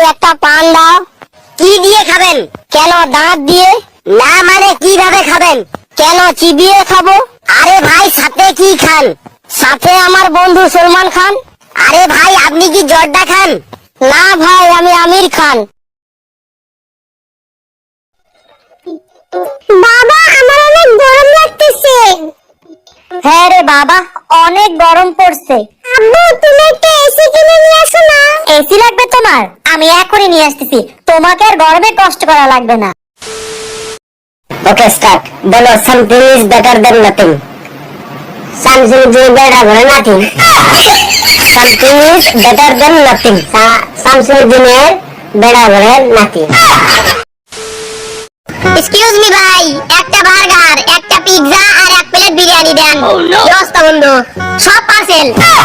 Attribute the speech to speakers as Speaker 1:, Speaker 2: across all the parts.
Speaker 1: একটা পান দাও।
Speaker 2: কি দিয়ে খাবেন?
Speaker 1: কেন, দাঁত দিয়ে?
Speaker 2: না মানে কিভাবে খাবেন?
Speaker 1: কেন, চিবিয়ে খাবো।
Speaker 2: আরে ভাই সাথে কি খান?
Speaker 1: সাথে আমার বন্ধু সলমান খান।
Speaker 2: আরে ভাই আপনি কি জর্দা খান?
Speaker 1: না ভাই, আমি আমির খান।
Speaker 2: বাবা আমার অনেক গরম লাগতেছে।
Speaker 1: হ্যাঁ রে বাবা, অনেক গরম পড়ছে।
Speaker 2: আব্বু তুমি একটা এসি কিনে নিয়ে আসো না।
Speaker 1: এসি লাগবে তোমার? আমি এখনই নিয়ে আসতেছি, তোমাকে আর গরমে কষ্ট করা লাগবে না।
Speaker 2: Okay start. বলো something is better then nothing. Something is better then nothing. Something is better then nothing. Something is better then nothing. Excuse me ভাই, একটা বার্গার, একটা পিৎজা আর এক প্লেট বিরিয়ানি দেন। কি অবস্থা বন্ধু? সব পার্সেল।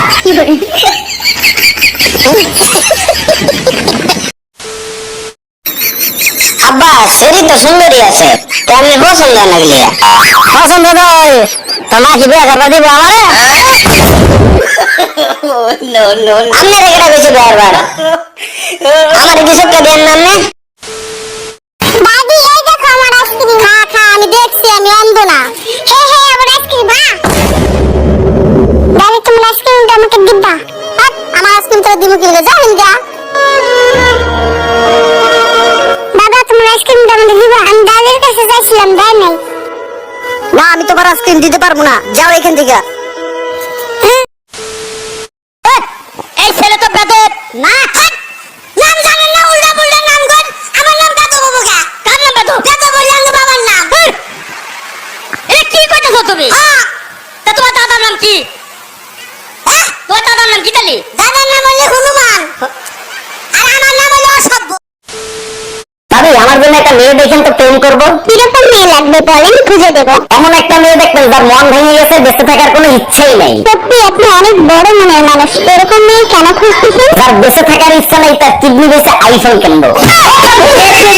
Speaker 2: আব্বা শরীর তো সুন্দরী আছে, কেমনি পছন্দ লাগলি? পছন্দ তো তোমার কি বিয়ে করবা দিব আমারে? আপনার এখানে বেশি বিয়ার বার আমার কিছু কে দেন নামনে। দাদি এই দেখো আমার আইসক্রিম। খা খা, আমি দেখছি, আমি অন্ধ না। হে হে আমার আইসক্রিম। দাদি তোমার আইসক্রিমটা আমাকে দিবা? আমার আইসক্রিম তো দিব কি যা হিন্দা। দাদা তোমার আইসক্রিমটা আমাকে দিবা? আমি দাদির কাছে যাইছিলাম, দেয় নাই। না আমি তোমার আইসক্রিম দিতে পারবো না, যাও এখান থেকে। এই ছেলে তো বেদব। না নাম জানেন না, উল্টা পুল্টা নাম কর। আমার নাম বেদব বাবুকা। কার নাম বেদব? বেদব বললাম না বাবার নাম।
Speaker 1: এ কি কইতেছো তুমি? তা তোমার দাদার নাম কি? তোমার দাদার নাম কি তালি?
Speaker 2: দাদার নাম হলো হনুমান আর আমার নাম হলো অসভ্য। ভাবি আমার জন্য একটা মেয়ে দেখেন তো, প্রেম করবো। কিরকম মেয়ে লাগবে বলেন, খুঁজে দেবো। এমন একটা মেয়ে দেখবেন যার মন ভেঙে গেছে, বেঁচে থাকার কোনো ইচ্ছেই নেই। সত্যি আপনি অনেক বড় মনের মানুষ। এরকম মেয়ে কেন খুঁজতেছেন? যার বেঁচে থাকার ইচ্ছা নেই, তার কিডনি বেঁচে আইফোন কিনবো।